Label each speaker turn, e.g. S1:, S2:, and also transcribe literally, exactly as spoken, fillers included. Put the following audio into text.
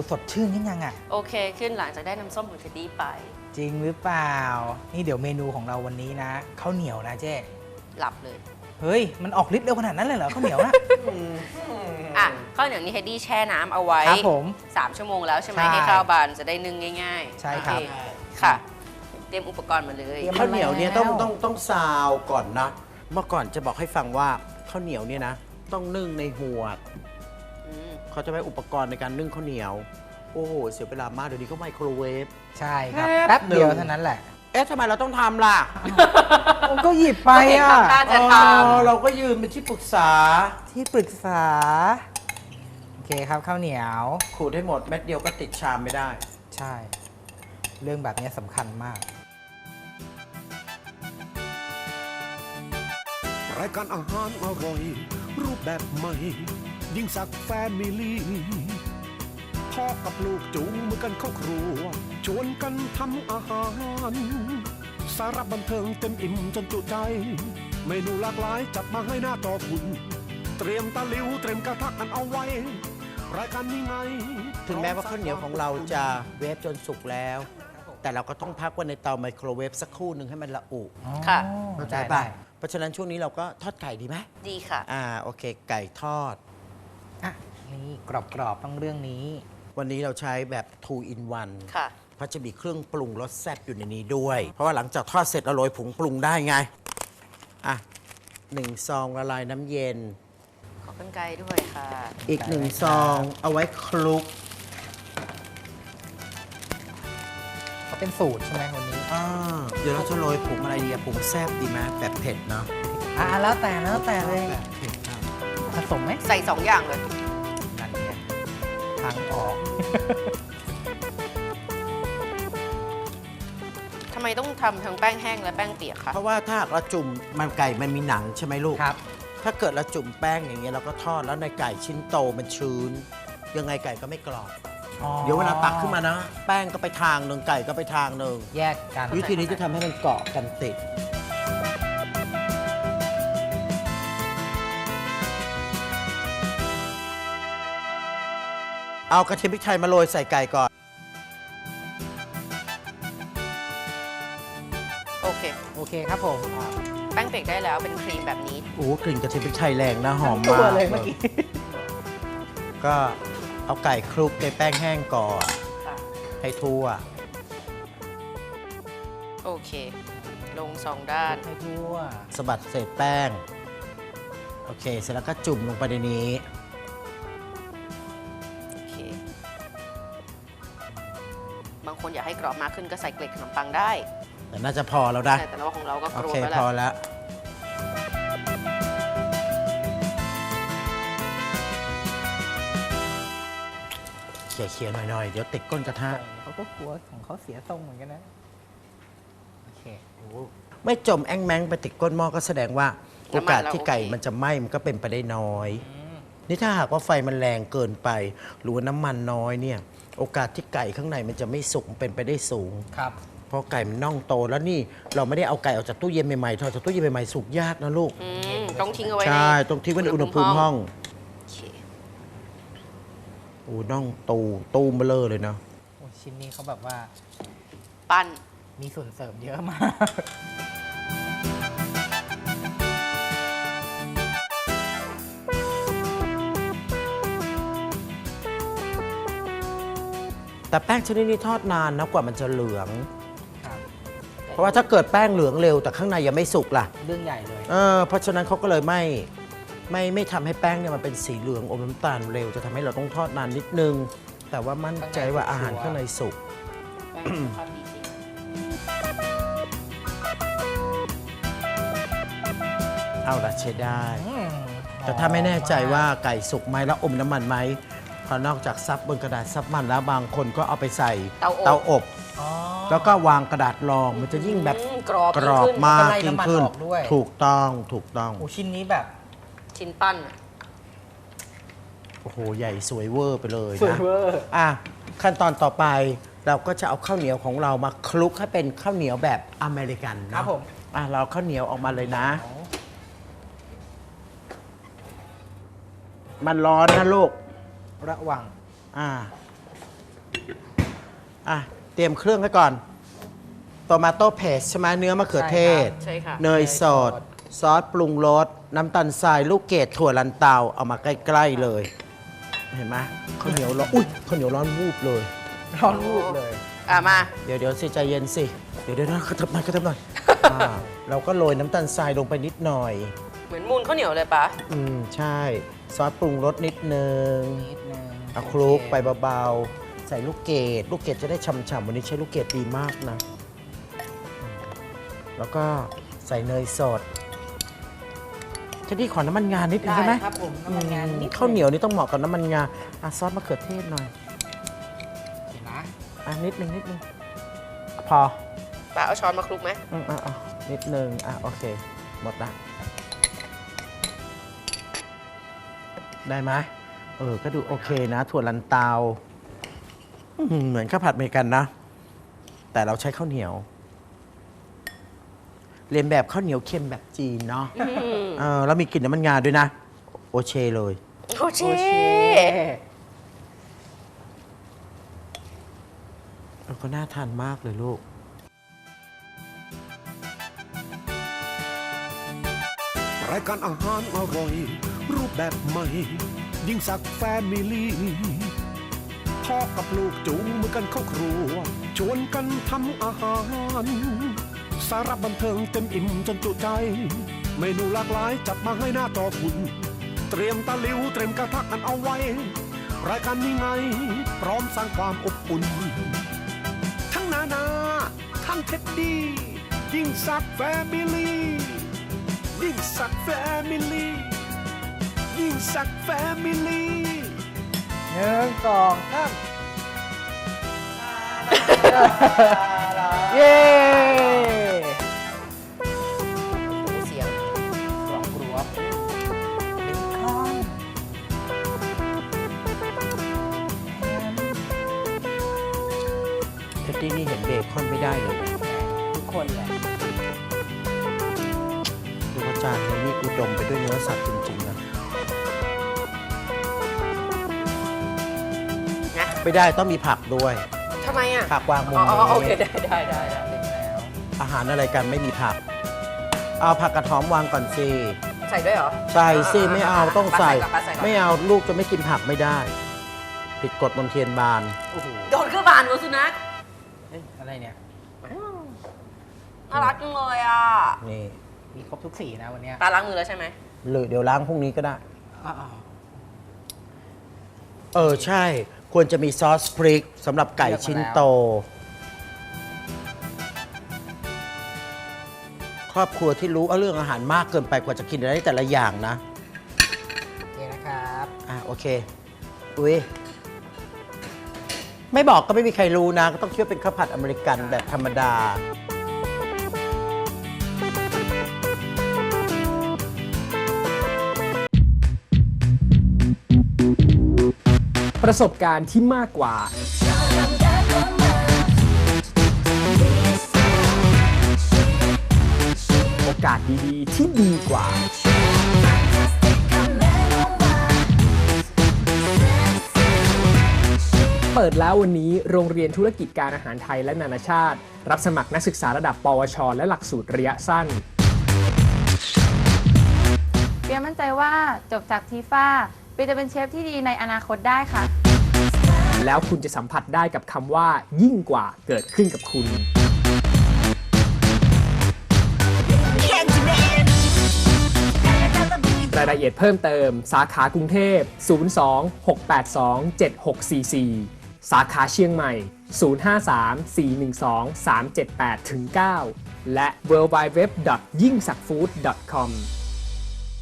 S1: สดชื่นขึ้นยังอ่ะ
S2: โอเคขึ้นหลังจากได้น้ำส้มของเท็ดดี้ไป
S1: จริงหรือเปล่านี่เดี๋ยวเมนูของเราวันนี้นะข้าวเหนียวนะเจ๊
S2: หลับเลย
S1: เฮ้ยมันออกฤทธิ์เร็วขนาดนั้นเลยเหรอข้าวเหนียวอะ
S2: อ่ะข้าวเหนียวนี่เท็ดดี้แช่น้ำเอาไว้
S1: ครับผม
S2: สามชั่วโมงแล้วใช่ไหมให้ข้าวบานจะได้นึ่งง่ายๆ
S1: ใช่ครับ
S2: ค่ะเตรียมอุปกรณ์มาเลย
S3: ข้าวเหนียวเนี่ยต้องต้องต้องซาวก่อนนะเมื่อก่อนจะบอกให้ฟังว่าข้าวเหนียวเนี่ยนะต้องนึ่งในหวดเขาจะใช้อุปกรณ์ในการนึ่งข้าวเหนียวโอ้โหเสียเวลามากเดี๋ยวนี้ก็ไมโครเวฟ
S1: ใช่ครับแป๊บเดียวเท่านั้นแหละ
S3: เอ๊ะทำไมเราต้องทำล่ะ
S1: ก็หยิบไปอ่ะ
S3: เราก็ยืนเป็นที่ปรึกษา
S1: ที่ปรึกษาโอเคครับข้าวเหนียว
S3: ขูดให้หมดเม็ดเดียวก็ติดชามไม่ได้
S1: ใช่เรื่องแบบนี้สำคัญมาก
S4: รายการอาหารอร่อยรูปแบบใหม่ยิ่งสักแฟมิลี่พ่อกับลูกจูงมือกันเข้าครัวชวนกันทำอาหารสาระบันเทิงเต็มอิ่มจนจุใจเมนูหลากหลายจัดมาให้หน้าต่อคุณเตรียมตะหลิวเตรียมกระทะกันเอาไว้รายการนี้ไง
S3: ถึงแม้ว่าข้าวเหนียวของเราจะเวฟจนสุกแล้วแต่เราก็ต้องพักไว้ในเตาไมโครเวฟสักครู่หนึ่งให้มันละอุ
S2: ค่ะ
S3: เข้าใจป่ะเพราะฉะนั้นช่วงนี้เราก็ทอดไก่ดีไหม
S2: ดีค่ะ
S3: อ่าโอเคไก่ทอด
S1: อ่ะนี่กรอบๆต้องเรื่องนี้
S3: วันนี้เราใช้แบบ ทู อิน วัน
S2: ค่ะ
S3: เพราะจะมีเครื่องปรุงรสแซ่บอยู่ในนี้ด้วย เพราะว่าหลังจากทอดเสร็จเราโรยผงปรุงได้ไงอ่ะหนึ่งซองละลายน้ำเย็น
S2: ขอกรรไกรด้วยค่ะ
S3: อีกหนึ่งซองเอาไว้คลุก
S1: เขาเป็นสูตรใช่ไหมวันนี้
S3: อ่าเดี๋ยวเราจะโรยผงอะไรดีอะผงแซ่บดีไหมแบบเผ็ดเนาะ
S1: อ่ะแล้วแต่แล้วแต่เลย
S3: แบบเผ็ดครับ
S1: ผสมไหม
S2: ใส่สองอย่างเลย
S1: นั่นไงทางออก
S2: ทำไมต้องทำทั้งแป้งแห้งและแป้งเปียกคะ
S3: เพราะว่าถ้าเราจุ่มมันไก่มันมีหนังใช่ไหมลูก
S1: ครับ
S3: ถ้าเกิดเราจุ่มแป้งอย่างเงี้ยเราก็ทอดแล้วในไก่ชิ้นโตมันชื้นยังไงไก่ก็ไม่กรอบเดี๋ยวเวลาตักขึ้นมานะแป้งก็ไปทางหนึ่งไก่ก็ไปทางหนึ่ง
S1: แยกกัน
S3: วิธีนี้จะทำให้มันเกาะกันติดเอากระเทียมพริกไทยมาโรยใส่ไก่ก่อน
S2: โอเค
S1: โอเคครับผม
S2: แป้งเปียกได้แล้วเป็นครีมแบบนี้
S3: โอ้กลิ่นกระเทียมพริกไทยแรงนะหอมมาก
S1: เลยเมื่อกี้
S3: ก็เอาไก่คลุกในแป้งแห้งก่อนให้ทั่ว
S2: โอเคลงสองด้าน
S1: ให้ทั่ว
S3: สะบัดเศษแป้งโอเคเสร็จแล้วก็จุ่มลงไปในนี้
S2: โอเคบางคนอยากให้กรอบมากขึ้นก็ใส่เกล็ดขนมปังได้
S3: แต่น่าจะพอแล้วนะ
S2: แต่ว่าของเราก็กรอบ
S3: แล้วแหละพอแล้วเขี่ยๆหน่อยๆเดี๋ยวติดก้นกระทะ
S1: เขาก็กลัวของเขาเสียทรงเหมือนกันนะโอเค
S3: ไม่จมแองแมงไปติดก้นหม้อก็แสดงว่าโอกาสที่ไก่มันจะไหม้มันก็เป็นไปได้น้อยนี่ถ้าหากว่าไฟมันแรงเกินไปหรือว่าน้ำมันน้อยเนี่ยโอกาสที่ไก่ข้างในมันจะไม่สุกเป็นไปได้สูง
S1: ครับ
S3: เพราะไก่มันน่องโตแล้วนี่เราไม่ได้เอาไก่ออกจากตู้เย็นใหม่ๆทอดจากตู้เย็นใหม่ๆสุกยากนะลูก
S2: ต้องทิ้งเอาไว้
S3: ใช่ต้องทิ้งไว้ในอุณหภูมิห้องโอ้น่องตูตูมเบลอเลยเนาะ
S1: โอ้ชิ้นนี้เขาแบบว่า
S2: ปั้น
S1: มีส่วนเสริมเยอะมาก
S3: แต่แป้งชนิดนี้ทอดนานนะกว่ามันจะเหลืองเพราะว่าถ้าเกิดแป้งเหลืองเร็วแต่ข้างในยังไม่สุกล่ะ
S1: เรื่องใหญ่เลย
S3: เออเพราะฉะนั้นเขาก็เลยไม่ไม่ไม่ทำให้แป้งเนี่ยมันเป็นสีเหลืองอมน้ำตาลเร็วจะทำให้เราต้องทอดนานนิดนึงแต่ว่ามั่นใจว่าอาหารข้างในสุกเอาละใช้ได้แต่ถ้าไม่แน่ใจว่าไก่สุกไหมแล้วอมน้ำมันไหมพอนอกจากซับบนกระดาษซับมันแล้วบางคนก็เอาไปใส่เตาอบแล้วก็วางกระดาษรองมันจะยิ่งแบบกรอบมากยิ่งขึ้นถูกต้องถูกต้อง
S1: โอ้ชิ้นนี้แบบ
S2: ชิ้นปั้น
S3: โอ้โหใหญ่สวยเวอร์ไปเลยนะ
S1: สวยเวอร์
S3: อ่ะขั้นตอนต่อไปเราก็จะเอาข้าวเหนียวของเรามาคลุกให้เป็นข้าวเหนียวแบบอเมริกันนะครับ
S1: ผม
S3: อ่ะเราข้าวเหนียวออกมาเลยนะมันร้อนนะลูก
S1: ระวัง
S3: อ่าอ่ะ เตรียมเครื่องไว้ก่อนโตมาโต้เพสใช่ไหมเนื้อมะเขือเทศ
S2: ใช่ค่ะ
S3: เนยสด ซอสปรุงรส น้ำตาลทราย ลูกเกดถั่วลันเตา เอามาใกล้ๆเลย เห็นไหมข้าวเหนียวร้อน อุ้ยข้าวเหนียวร้อนวูบเลย
S1: ร้อนรูปเลย
S2: อ่ะมา
S3: เดี๋ยวเดี๋ยวสิใจเย็นสิ เดี๋ยวเดี๋ยวนะกระเทิบหน่อยกระเทิบหน่อย อ่าเราก็โรยน้ำตาลทรายลงไปนิดหน่อย
S2: เหมือนมูนข้าวเหนียวเลยปะ
S3: อืม ใช่ ซอสปรุงรสนิดนึง
S1: นิดนึง
S3: เอาคลุกไปเบาๆ ใส่ลูกเกดลูกเกดจะได้ฉ่ำๆวันนี้ใช้ลูกเกดดีมากนะ แล้วก็ใส่เนยสดจะดีขอน้ำมันงานิดนึงได้ไหม
S1: ครับผมน้ำมันงานนิด
S3: ข้าวเหนียวนี่ต้องเหมาะกับน้ำมันงาอ่ะซอสมะเขือเทศหน่อย
S1: เห็นนะ
S3: อ่ะนิดนึงนิดนึงพอ
S2: ปะเอาช้อนมาคลุกไหม
S3: อืมอ่ะอ่ะนิดนึงอ่ะโอเค หมดละได้ไหมเออก็ดูโอเคนะ ถั่วลันเตาอื้อหือเหมือนข้าวผัดอเมริกันนะ แต่เราใช้ข้าวเหนียว เรียนแบบข้าวเหนียวเค็มแบบจีนเนาะเออแล้วมีกลิ่นน้ำมันงาด้วยนะ โอเชเลย
S2: โอเค
S1: โอเค
S3: เออก็น่าทานมากเลยลูก
S4: รายการอาหารอร่อย รูปแบบใหม่ ยิ่งสักแฟมิลี่พ่อกับลูกจูงมือกันเข้าครัว ชวนกันทำอาหาร สาระบันเทิงเต็มอิ่มจนจุใจ เมนูหลากหลายจัดมาให้หน้าจอคุณ เตรียมตะหลิวเตรียมกระทะกันเอาไว้ รายการนี้ไง พร้อมสร้างความอบอุ่น ทั้งนานาทั้งเท็ดดี้ ยิ่งสักแฟมิลี่ยิ่งสักแฟมิลี่ยิ่งสักแฟมิลี่
S1: หนึ่งสองสามเย้
S2: เสียง
S1: กรอบกรวบเบคอน
S3: เท็ดดี้นี่เห็นเบคอนไม่ได้เลยนะ
S1: ทุกคนแหละ
S3: ดูว่าจานนี้นี่อุดมไปด้วยเนื้อสัตว์จริงๆนะ
S2: นะ
S3: ไม่ได้ต้องมีผักด้วย
S2: ทำไมอ่ะ
S3: ผักวางมุม
S2: อ๋อ
S3: นี้
S2: อ๋อโอเคได้ได้ได้ได้
S1: เสร็จแล้ว
S3: อาหารอะไรกันไม่มีผัก เอาผักกระท้อมวางก่อนสิ
S2: ใส่ด้วยเหรอ
S3: ใส่สิไม่เอาต้องใส่
S2: ก่อนปะใส่ก่อน
S3: ไม่เอาลูกจะไม่กินผักไม่ได้ ผิดกฎมนเทียนบาน
S1: โอ้โห
S2: โดนคือบานวะสุนัข
S1: เอ๊ะอะไรเนี่ย
S2: น่ารักจังเลยอ่ะ
S3: นี่
S1: มีครบทุกสีนะวันเนี้ย
S2: ตาล้างมือแล้วใช่ไหม
S3: หรือเดี๋ยวล้างพรุ่งนี้ก็ได้
S1: อ้าว
S3: เออ ใช่ ควรจะมีซอสพริกสำหรับไก่ชิ้นโต ครอบครัวที่รู้เรื่องอาหารมากเกินไปกว่าจะกินได้แต่ละอย่างนะ
S1: โอเคนะครับ
S3: อ่ะ โอเค อุ้ย ไม่บอกก็ไม่มีใครรู้นะ ก็ต้องคิดว่าเป็นข้าวผัดอเมริกันแบบธรรมดา
S5: ประสบการณ์ที่มากกว่า โอกาสดีๆ ที่ดีกว่า เปิดแล้ววันนี้โรงเรียนธุรกิจการอาหารไทยและนานาชาติ รับสมัครนักศึกษาระดับ ปวช และหลักสูตรระยะสั้น
S6: เปียมั่นใจว่าจบจากทีฟ้าเปียจะเป็นเชฟที่ดีในอนาคตได้ค่ะ
S5: แล้วคุณจะสัมผัสได้กับคำว่ายิ่งกว่าเกิดขึ้นกับคุณ รายละเอียดเพิ่มเติมสาขากรุงเทพ ศูนย์ สอง หก แปด สอง เจ็ด หก สี่ สี่ สาขาเชียงใหม่ ศูนย์ ห้า สาม สี่ หนึ่ง สอง สาม เจ็ด แปด เก้า และ ดับเบิลยู ดับเบิลยู ดับเบิลยู ดอท ยิ่งสักฟู้ด ดอท คอม